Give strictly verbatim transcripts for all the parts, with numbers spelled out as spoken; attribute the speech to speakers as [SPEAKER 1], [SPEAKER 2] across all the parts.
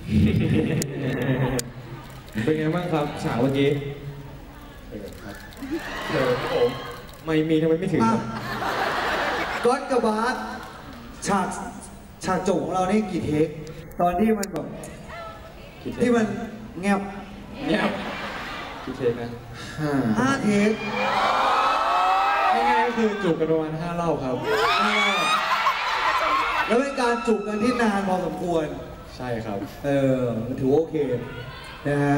[SPEAKER 1] เป็นไงบ้างครับฉากเมื่อกี้เดี๋ยวผมไม่มีทำไมไม่ถึง
[SPEAKER 2] ก๊อตกับบาสฉากฉากจบของเรานี่กี่เทคตอนที่มันแบบที่มันเงียบ
[SPEAKER 1] เงียบกี่เทคนะ
[SPEAKER 2] ห้าเทค
[SPEAKER 1] ง่ายๆก็คือจูบกันประมาณห้ารอบครับ
[SPEAKER 2] แล้วเป็นการจูบกันที่นานพอสมควร
[SPEAKER 1] ใช่ครับ
[SPEAKER 2] เออถือโอเคนะฮะ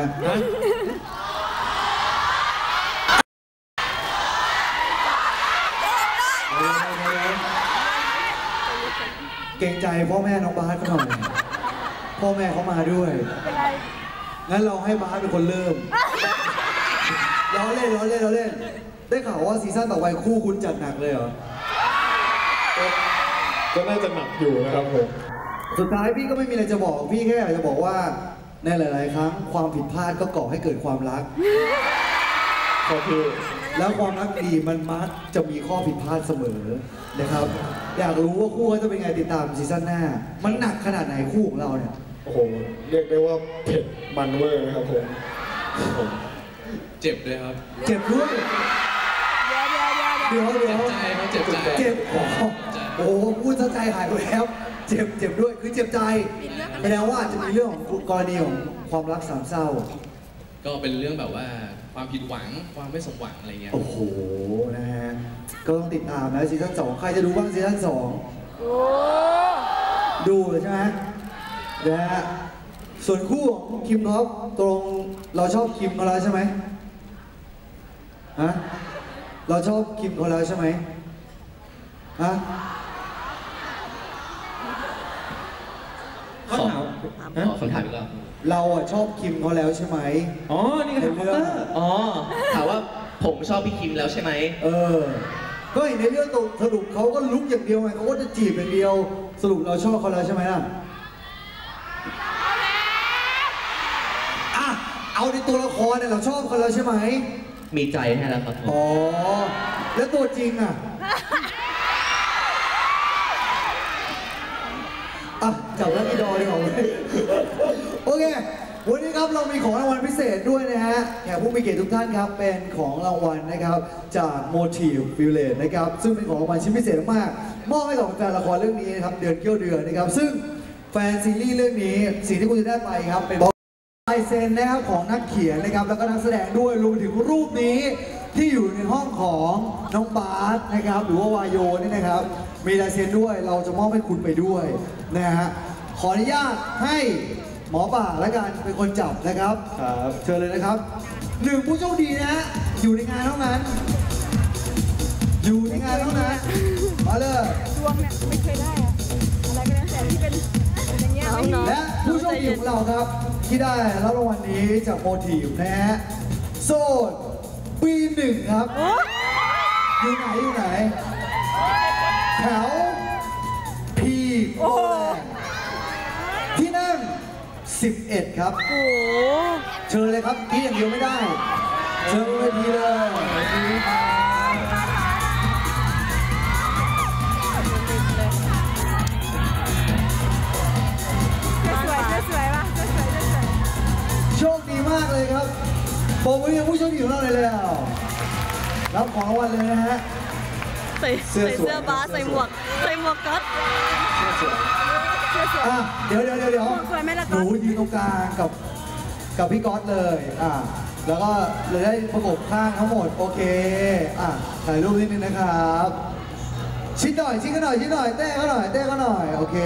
[SPEAKER 2] เกรงใจพ่อแม่น้องบาสเขาหน่อยพ่อแม่เขามาด้วยงั้นเราให้บาสเป็นคนเริ่มล้อเล่นล้อเล่นล้อเล่นได้ข่าวว่าซีซั่นต่อไปคู่คุณจัดหนักเลยเหรอ
[SPEAKER 1] ก็น่าจะหนักอยู่นะครับผม
[SPEAKER 2] สุดท้ายพี่ก็ไม่มีอะไรจะบอกพี่แค่อยากจะบอกว่าในหลายๆครั้งความผิดพลาดก็ก่อให้เกิดความรัก
[SPEAKER 1] ก็คือ
[SPEAKER 2] แล้วความรักดีมันมักจะมีข้อผิดพลาดเสมอนะครับอยากรู้ว่าคู่เขาจะเป็นไงติดตามซีซั่นหน้ามันหนักขนาดไหนคู่ของเราเนี่ย
[SPEAKER 1] โอ้โหเรียกได้ว่าเผ็ดมันเวอร์นะครับผมผมเจ็บเลยครับ
[SPEAKER 2] เจ็บด้วย
[SPEAKER 3] เดี๋ยวเดี๋ยวเดี๋ยว
[SPEAKER 2] เดี๋ยวเดี๋ยว
[SPEAKER 1] ใจเขาเจ็บใจ
[SPEAKER 2] เจ็บโอ้โหพูดใจหายไปแล้วเจ็บเจ็บด้วยคือเจ็บใจแสดงว่าจะมีเรื่องของกรณีของความรักสามเศร้า
[SPEAKER 4] ก็เป็นเรื่องแบบว่าความผิดหวังความไม่สมหวังอะไรเงี้ย
[SPEAKER 2] โอ้โหนะฮะก็ต้องติดตามนะซีซั่นสองใครจะดูบ้างซีซั่นสองดูเลยใช่ไหมนะฮะส่วนคู่ของคิมท็อปตรงเราชอบคิมเขาแล้วใช่ไหมฮะเราชอบคิมเขาแล้วใช่ไหมฮะ
[SPEAKER 4] ขอคำถามอีกแล้ว
[SPEAKER 2] เราอะชอบคิมเขาแล้วใช่ไหม
[SPEAKER 1] อ๋อนี่คือเรื่อง
[SPEAKER 4] อ๋อถามว่าผมชอบพี่คิมแล้วใช่ไหม
[SPEAKER 2] เออก็เห็นในเรื่องตรงสรุปเขาก็ลุกอย่างเดียวไงเขาก็จะจีบอย่างเดียวสรุปเราชอบเขาแล้วใช่ไหมล่ะอ่ะเอาในตัวละครเนี่ยเราชอบเขาแล้วใช่ไหม
[SPEAKER 4] มีใจให้แล้วครับ
[SPEAKER 2] อ๋อแล้วตัวจริงอ่ะอ่ะจับแล้วอีดอเลยของเลยโอเควันนี้ครับเรามีของรางวัลพิเศษด้วยนะฮะแขกผู้มีเกียรติทุกท่านครับเป็นของรางวัลนะครับจาก Motive Village นะครับซึ่งเป็นของรางวัลชิ้นพิเศษมากมอบให้กับแฟนละครเรื่องนี้นะครับเดือนเกี้ยวเดือนนะครับซึ่งแฟนซีรีส์เรื่องนี้สิ่งที่คุณจะได้ไปครับเป็นลายเซ็นนะครับของนักเขียนนะครับแล้วก็นักแสดงด้วยรวมถึงรูปนี้ที่อยู่ในห้องของน้องบาสนะครับหรือว่าวายโยนี่นะครับมีลายเซ็นด้วยเราจะมอบให้คุณไปด้วยนะฮะขออนุญาตให้หมอป่าและกันเป็นคนจับนะครับครับเชิญเลยนะครับหนึ่งผู้โชคดีนะฮะอยู่ในงานเท่านั้นอยู่ในงานเท่านั้นมาเลย
[SPEAKER 3] ดวงเนี่ยไม่เคยได้อะอะไรก็แล้วแต่ที่เป็นอย่างเงี้ย
[SPEAKER 2] และผู้โชคดีของเราครับที่ได้รับรางวัลนี้จากโมทีฟนะฮะโซนปีหนึ่งครับอยู่ไหนอยู่ไหนแถวพีโอที่นั่งสิบเอ็ดครับเชิญเลยครับกี้อย่างเดียวไม่ได้เชิญเวทีเลยโชคดีมากเลยครับผมวันนี้ผู้โชคดีของเราเลยแล้วรับของรางวัลเลยนะฮะ
[SPEAKER 3] ใส่เสื้อเสื้อบาสใส่หมวกใส่หมวกก๊อต
[SPEAKER 2] อ่ะเดี๋ยวเดี๋ยวเดี๋ยวเดี๋ยวหนูยืนตรงกลางกับกับพี่ก๊อตเลยอ่ะแล้วก็เลยได้ประกบข้างทั้งหมดโอเคอ่ะถ่ายรูปนิดนึงนะครับชิดหน่อยชิดกันหน่อยชิดหน่อยเต้ก็หน่อยเต้ก็หน่อยโอเค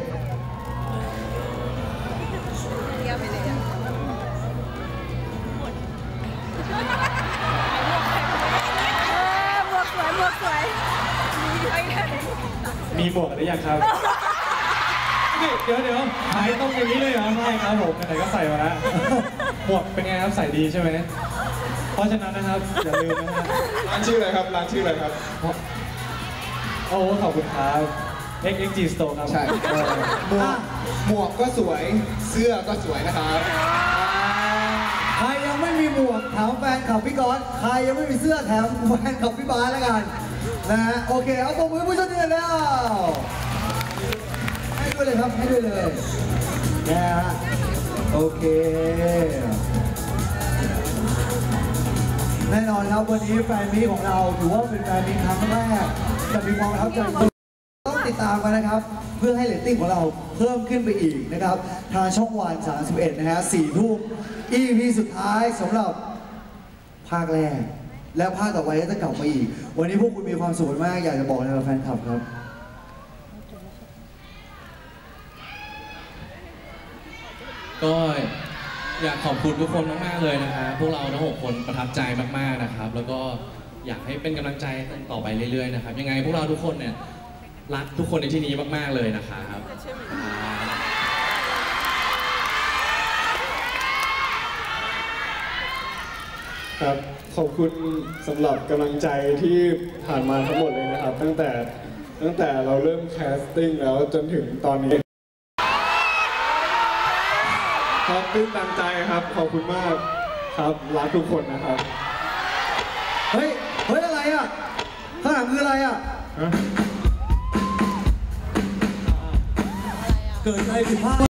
[SPEAKER 1] มีหมวกหรือยังครับเดี๋ยวเดี๋ยวหายตรงอย่างนี้เลยเหรอไม่ครับผมไหนก็ใส่มาแล้วหมวกเป็นไงครับใส่ดีใช่ไหมเพราะฉะนั้นนะครับอย่าลืมนะฮะร้านชื่ออะไรครับร้านชื่ออะไรครับโอ้ขอบคุณครับ เอ็กซ์ เอ็กซ์ จี Store ครับใช่
[SPEAKER 2] หมวกหมวกก็สวยเสื้อก็สวยนะครับใครยังไม่มีหมวกถามแฟนขับพี่ก๊อตใครยังไม่มีเสื้อแถมแฟนขับพี่บาสแล้วกันนะฮะโอเคเอาตัวมือผู้ชมดีแล้วให้ด้วยเลยครับให้ด้วยเลยนะฮะโอเค แน่นอนครับวันนี้แฟนมีตของเราถือว่าเป็นแฟนมีตครั้งแรกจะมีความประทับใจต้องติดตามกันนะครับ เพื่อให้เรตติ้งของเราเพิ่มขึ้นไปอีกนะครับ ทางช่องวันสามสิบเอ็ดนะฮะสี่ทุ่ม อี พี สุดท้ายสำหรับภาคแรก และภาคต่อไปก็จะกลับมาอีก วันนี้พวกคุณมีความสุขมากอยากจะบอกอะไรกับแฟนคลับครับ
[SPEAKER 4] ก็อยากขอบคุณทุกคนมากๆเลยนะครับพวกเราทั้งหกคนประทับใจมากๆนะครับ แล้วก็อยากให้เป็นกำลังใจต่อไปเรื่อยๆนะครับยังไงพวกเราทุกคนเนี่ยรักทุกคนในที่นี้มากๆเลยนะครับ
[SPEAKER 5] ครับขอบคุณสำหรับกำลังใจที่ผ่านมาทั้งหมดเลยนะครับ ตั้งแต่ตั้งแต่เราเริ่มแคสติ้งแล้วจนถึงตอนนี้ครับตื้นตันใจครับขอบคุณมากครับรักทุกคนนะครับ
[SPEAKER 2] เฮ้ย เฮ้ย อะไรอ่ะ ข้างหลังคืออะไรอ่ะ เกิดอะไรผิดพลาด